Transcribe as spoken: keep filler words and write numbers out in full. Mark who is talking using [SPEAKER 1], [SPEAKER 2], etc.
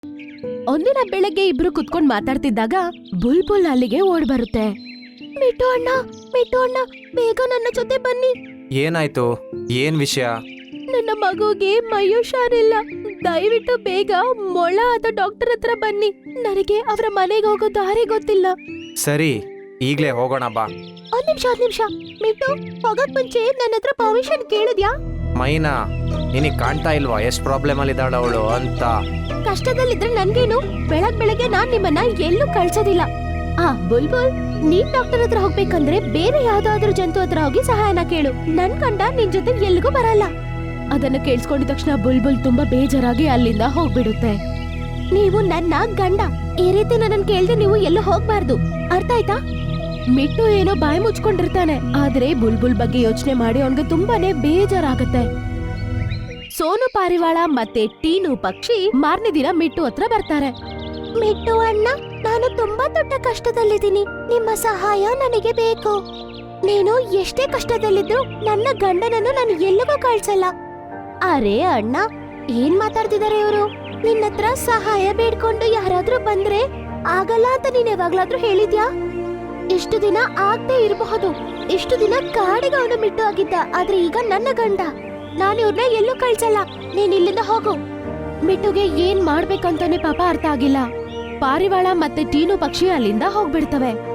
[SPEAKER 1] ಒಂದಿನ ಬೆಳಗ್ಗೆ ಇಬ್ರು ಕುತ್ಕೊಂಡ್ ಮಾತಾಡ್ತಿದ್ದಾಗ ಬುಲ್ಬುಲ್ ಅಲ್ಲಿಗೆ ಓಡ್ ಬರುತ್ತೆ. ಮಿಟ್ಟು ಅಣ್ಣ, ಮಿಟ್ಟು ಅಣ್ಣ, ಬೇಗ ನನ್ನ ಜೊತೆ ಬನ್ನಿ.
[SPEAKER 2] ಏನಾಯ್ತು? ಏನ್ ವಿಷಯ?
[SPEAKER 1] ನನ್ನ ಮಗುಗೆ ಮೈ ಹುಷಾರಿಲ್ಲ. ದಯವಿಟ್ಟು ಬೇಗ ಮೊಳ ಆದ ಡಾಕ್ಟರ್ ಹತ್ರ ಬನ್ನಿ. ನನಗೆ ಅವರ ಮನೆಗೆ ಹೋಗೋ ದಾರಿ ಗೊತ್ತಿಲ್ಲ.
[SPEAKER 2] ಸರಿ, ಈಗ್ಲೇ ಹೋಗೋಣ ಬಾ.
[SPEAKER 1] ಒಂದ್ ನಿಮಿಷ ಒಂದ್ ನಿಮಿಷ ಮಿಟ್ಟು, ಹೋಗಕ್ ಮುಂಚೆ ನನ್ನ ಹತ್ರ ಪರ್ಮಿಷನ್ ಕೇಳಿದ್ಯಾ?
[SPEAKER 2] ಮೈನಾ, ನಿನಗ್ ಕಾಣ್ತಾ ಇಲ್ವಾ ಎಷ್ಟ್ ಪ್ರಾಬ್ಲಮ್ ಅಲ್ಲಿ ಇದ್ದಾಳ ಅವಳು ಅಂತ?
[SPEAKER 1] ಕಷ್ಟದಲ್ಲಿದ್ರೆ ನನ್ಗೇನು? ಬೆಳಗ್ ಬೆಳಗ್ಗೆ ನಾನ್ ನಿಮ್ಮನ್ನ ಎಲ್ಲೂ ಕಳ್ಸೋದಿಲ್ಲ. ಆ ಬುಲ್ಬುಲ್, ನೀನ್ ಡಾಕ್ಟರ್ ಹತ್ರ ಹೋಗ್ಬೇಕಂದ್ರೆ ಬೇರೆ ಯಾವ್ದಾದ್ರು ಜಂತು ಹತ್ರ ಹೋಗಿ ಸಹಾಯನ ಕೇಳು. ನನ್ ಕಂಡ ನಿನ್ ಜೊತೆ ಎಲ್ಲಿಗೂ ಬರಲ್ಲ. ಅದನ್ನ ಕೇಳಿಸ್ಕೊಂಡಿದ ತಕ್ಷಣ ಬುಲ್ಬುಲ್ ತುಂಬಾ ಬೇಜಾರಾಗಿ ಅಲ್ಲಿಂದ ಹೋಗ್ಬಿಡುತ್ತೆ. ನೀವು ನನ್ನ ಗಂಡ, ಈ ರೀತಿ ನನ್ನ ಕೇಳ್ದೆ ನೀವು ಎಲ್ಲೂ ಹೋಗ್ಬಾರ್ದು, ಅರ್ಥ ಆಯ್ತಾ? ಮಿಟ್ಟು ಏನೋ ಬಾಯಿ ಮುಚ್ಕೊಂಡಿರ್ತಾನೆ, ಆದ್ರೆ ಬುಲ್ಬುಲ್ ಬಗ್ಗೆ ಯೋಚನೆ ಮಾಡಿ ಅವನ್ಗೆ ತುಂಬಾನೇ ಬೇಜಾರಾಗತ್ತೆ. ಸೋನು ಪಾರಿವಾಳ ಮತ್ತೆ ಟೀನು ಪಕ್ಷಿ ಮಾರನೇ ದಿನ ಮಿಟ್ಟು ಹತ್ರ ಬರ್ತಾರೆ. ಮಿಟ್ಟು ಅಣ್ಣ, ನಾನು ತುಂಬಾ ದೊಡ್ಡ ಕಷ್ಟದಲ್ಲಿದ್ದೀನಿ. ನಿಮ್ಮ ಸಹಾಯ ನನಗೆ ಬೇಕು. ನೀನು ಎಷ್ಟೇ ಕಷ್ಟದಲ್ಲಿದ್ರು ನನ್ನ ಗಂಡನನ್ನು ನಾನು ಎಲ್ಲಿಗೂ ಕಳ್ಸಲ್ಲ. ಅರೆ ಅಣ್ಣ, ಏನ್ ಮಾತಾಡ್ತಿದಾರೆ ಇವರು? ನಿನ್ನತ್ರ ಸಹಾಯ ಬೇಡ್ಕೊಂಡು ಯಾರಾದ್ರೂ ಬಂದ್ರೆ ಆಗಲ್ಲ ಅಂತ ನೀನ್ ಯಾವಾಗ್ಲಾದ್ರೂ ಹೇಳಿದ್ಯಾ? ಇಷ್ಟು ದಿನ ಆಗದೆ ಇರಬಹುದು. ಇಷ್ಟು ದಿನ ಕಾಡಿಗೆ ಅವನು ಮಿಟ್ಟು ಆಗಿದ್ದ, ಆದ್ರೆ ಈಗ ನನ್ನ ಗಂಡ. ನಾನು ಇವ್ರನ್ನ ಎಲ್ಲೂ ಕಳ್ಸಲ್ಲ. ನೀನ್ ಇಲ್ಲಿಂದ ಹೋಗು. ಮಿಟ್ಟುಗೆ ಏನ್ ಮಾಡ್ಬೇಕಂತಾನೆ ಪಾಪ ಅರ್ಥ ಆಗಿಲ್ಲ. ಪಾರಿವಾಳ ಮತ್ತೆ ಟೀನು ಪಕ್ಷಿ ಅಲ್ಲಿಂದ ಹೋಗ್ಬಿಡ್ತವೆ.